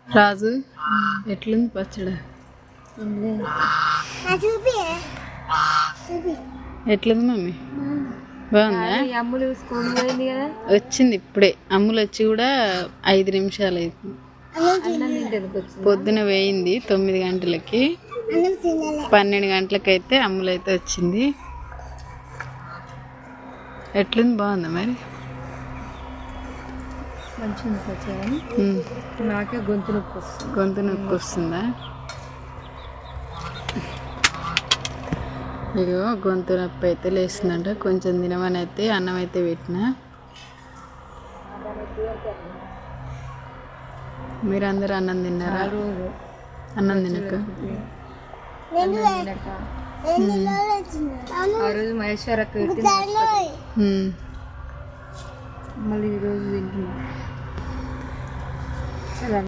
రాజు ఎట్లుంది పచ్చడి? ఎట్లుంది మమ్మీ? బాగుందా? అమ్ములు స్కూల్ పోయింది కదా, వచ్చింది ఇప్పుడే. అమ్ములు వచ్చి కూడా 5 నిమిషాలు అవుతుంది. పొద్దున వేయింది 9 గంటలకి, 12 గంటలకైతే అమ్ములు అయితే వచ్చింది. ఎట్లుంది? బాగుందా మరి? మంచిగా నాకే గొంతు నొప్పి వస్తుంది. గొంతు నొప్పి వస్తుందా? ఇగో గొంతు నొప్పి అయితే లేస్తుందంట. కొంచెం తినమని అయితే అన్నం అయితే పెట్టిన. మీరందరూ అన్నం తిన్నారా? అన్నం తినక ఆ రోజు మహేశ్వరకు మళ్ళీ ఈరోజు తింటున్నా.